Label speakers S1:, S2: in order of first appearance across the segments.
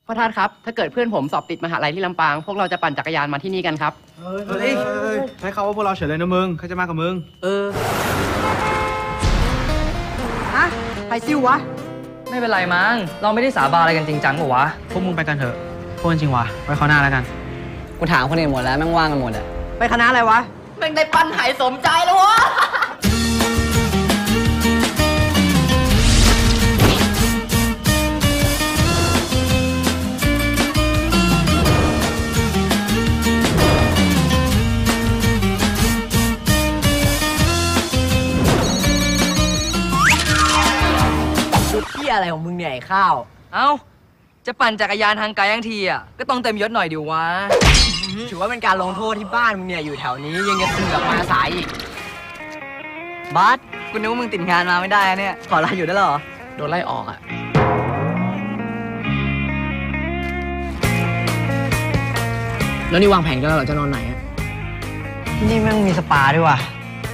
S1: พ่อท่านครับถ้าเกิดเพื่อนผมสอบติดมหาลัยที่ลำปางพวกเราจะปั่นจักรยานมาที่นี่กันครับ
S2: ใช้คำว่าพวกเราเฉยเลยนะมึงใครจะมากับมึง
S3: ฮะใครซิววะ
S4: ไม่เป็นไรมั้งเราไม่ได้สาบานอะไรกันจริงจังหรอวะ
S2: พวกมึงไปกันเถอะพูดจริงวะไว้คราวหน้าแล้วกัน
S3: กูถามคนอื่นหมดแล้วแม่งว่างกันหมดอะไปคณะอะไรวะ
S1: แม่งได้ปั้นหายสมใจแล้ววะ
S3: ที่อะไรของมึงเนี่ยไอ้ข้าว
S4: เอ้าจะปั่นจักรยานทางไกลทั้งทีอ่ะก็ต้องเต็มยศหน่อยดิวะ
S3: ถือว่าเป็นการลงโทษที่บ้านมึงเนี่ยอยู่แถวนี้ยังจะเสือกมาสายอีกบัสกูนึกว่ามึงติดงานมาไม่ได้เนี่ยขอลาอยู่ได้หรอ
S1: โดนไล่ออกอ่ะแล้วนี่วางแผนกันแล้วเหรอจะนอนไหนอ่ะ
S3: ที่นี่แม่งมีสปาด้วยว่ะ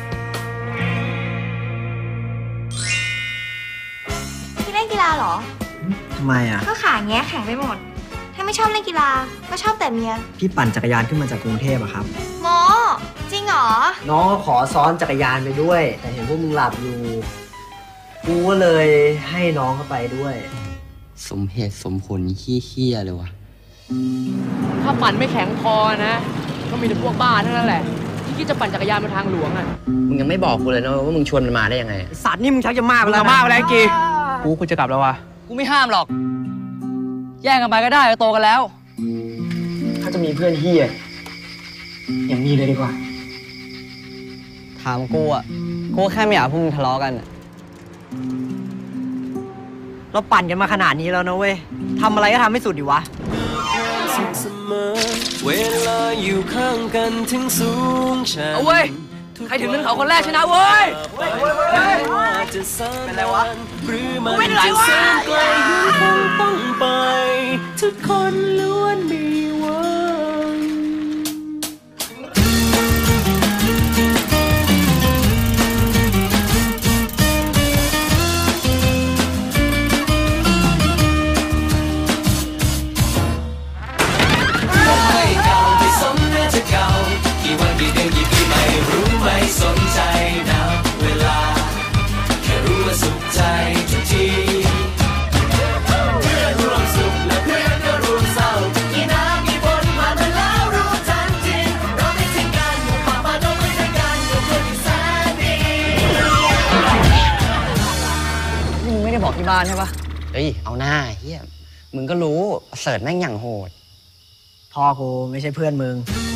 S5: พี่เล่นกีฬาเหรอ
S3: ทำไมอ่ะ
S5: ก็ขาแงะแข็งไปหมดถ้าไม่ชอบเล่นกีฬาก็ชอบแต่เมีย
S3: พี่ปั่นจักรยานขึ้นมาจากกรุงเทพอะครับ
S5: โมจริงเหรอ
S3: น้องก็ขอซ้อนจักรยานไปด้วยแต่เห็นพวกมึงหลับอยู่กูก็เลยให้น้องเข้าไปด้วย
S1: สมเหตุสมผลเหี้ยเลยวะถ้าปั่นไม่แข็งพอนะก็มีแต่พวกบ้าทั้งนั้นแหละที่คิดจะปั่นจักรยานบนทางหลวงอ่ะมึงยังไม่บอกกูเลยนะว่ามึงชวนมันมาได้ยังไง
S3: สัตว์นี่มึงชักจะมากไปแล้ว
S2: มากไปแล้วกีกูจะกลับแล้ววะ
S4: กูไม่ห้ามหรอกแย่งกันไปก็ได้โตกันแล้ว
S3: ถ้าจะมีเพื่อนเฮียอย่างนี้เลยดีกว่าถามกูอ่ะกูแค่ไม่อยากพวกมึงทะเลาะกันเราปั่นกันมาขนาดนี้แล้วนะเว้ยทำอะไรก็ทำให้สุดดิวะ
S6: เวลาอยู่ข้างกันถึงสูงชัน
S4: เอาเว้ยใครถึงนึงเขาคนแรกชนะเว้ย
S6: เป็นไรวะหรือมันจะแสนไกลยังคงต้องไปทุกคนล้วนมีหวังไม่เก่าไม่สมน่าจะเก่ากี่วันกี่เดือนกี่ปีไม่รู้ไม่สนใจนะเวลาแค่รู้ว่าสุขใจทุกทีเพื่อนร่วมสุขและเพื่อนก็ร่วมเศร้ากี่น้ำกี่ฝนผ่านมาแล้วรู้ทันทีเราไม่ทิ้งกันหมู่ป่าป่าดงไม่ทิ้งกันอยู่เพื่อนที่แสนดี
S3: นี่มึงไม่ได้บอกที่บ้านใช่ปะ
S1: เฮ้ยเอาหน้าเฮียมึงก็รู้เสิร์ชแม่งอย่างโหด
S3: พ่อกูไม่ใช่เพื่อนมึง